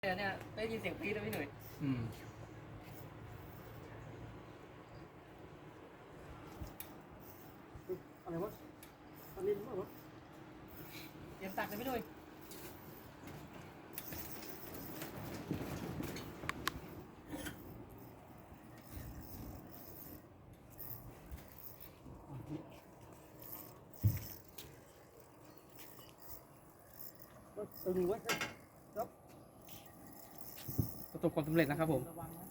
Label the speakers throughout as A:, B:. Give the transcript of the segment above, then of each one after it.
A: เนี่ยได้ยินเสียงปี๊ดแล้วพี่หนุ่ย
B: อะไรวะอันนี้มั้งวะ
A: เตรียมตักเลยพี่หนุ่ย
B: ตึงไว้ครับ
A: ประสบความสำเร็จนะครับผม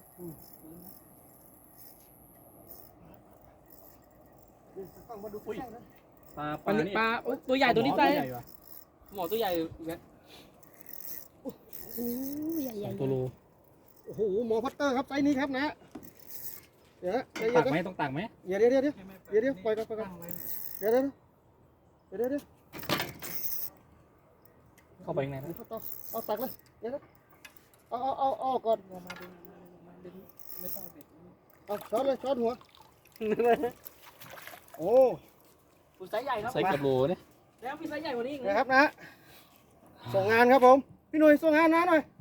B: ต้องมาดูใกล้นะ
A: ปลาตัวใหญ่ตัวนี้ไปหมอตัวใหญ่เนี่ย
C: โอ้ใหญ่ใหญ่
A: ตัวโล
B: โอ้โหหมอพัตเตอร์ครับไซส์นี้ครับนะเดี๋ยวนะ
A: ตักไหมต้องตักไหม
B: เดี๋ยวปล่อยก่อนเดี๋ยว
A: เข้าไปข้างในนะ
B: เอาตักเลยเดี๋ยวเอาก่อน
A: ไม่ต้องเบ็ด
B: เอาช้อนเลยช้อนหัวโอ้
A: ตัวไซส์ใหญ่ครับ
D: ใส่กับโหลเนี่ย
A: แล้วมีไซส์ใหญ่กว่านี้อีก
B: นะครับนะส่งงานครับผมพี่หนุ่ยส่งงานนะหน่อย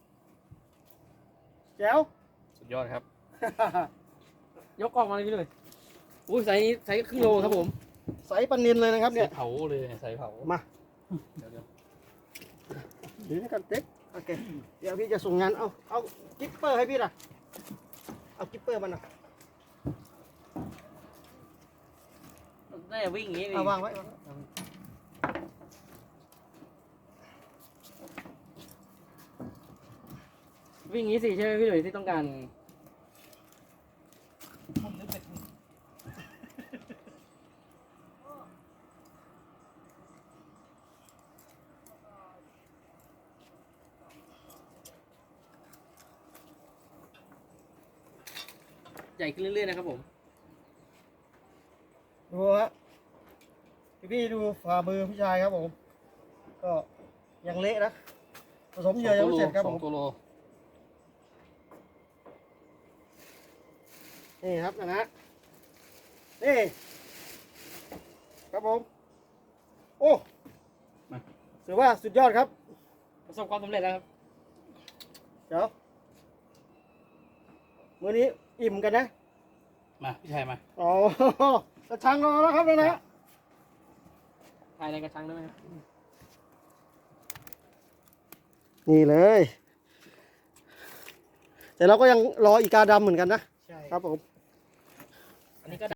B: แจ๋ว
D: สุดยอดครับ
A: ยกกล่องมาเลยพี่หนุ่ยอุ้ยไซส์ครึ่งโลครับผม
B: ใสปนินเลยนะครับ
D: ใส่
B: เนี่ย
D: เผาเลยใส่เผา
B: มา
D: เดี๋ยว
B: เดี๋ยวนี่กันเต็กโอเคเดี๋ยวพี่จะส่งงานเอากิ๊ปเปอร์ให้พี่ล่ะเอากิ๊ปเปอร์มันนะ
A: น่าจะวิ่งอย่างนี้ดิ
B: เอาวางไว้
A: วิ่งอย่างนี้สิใช่ไหมพี่หนุ่ยที่ต้องการใหญ่ขึ้นเรื่อยๆนะครับผม
B: ดูฮะพี่ดูฝ่ามือพี่ชายครับผมก็ยังเละนะผสมเหยื่อยังไม่เสร็จครับผม
D: 2 ตัวโล
B: นี่ครับนะฮะนี่ครับผมโอ้ถือว่าสุดยอดครับ
A: ประสบความสำเร็จแล้วครับ
B: เดี๋ยวมื้อนี้อิ่มกันนะ
D: มาพี่ชายมา
B: อ๋อกระชังรอแล้วครับนะฮะ
A: ถ่ายในกระชังได้ไหมครับ
B: นี่เลย แต่เราก็ยังรออีกาดำเหมือนกันนะ
A: ใช่
B: ครับผม
A: อันนี้ก็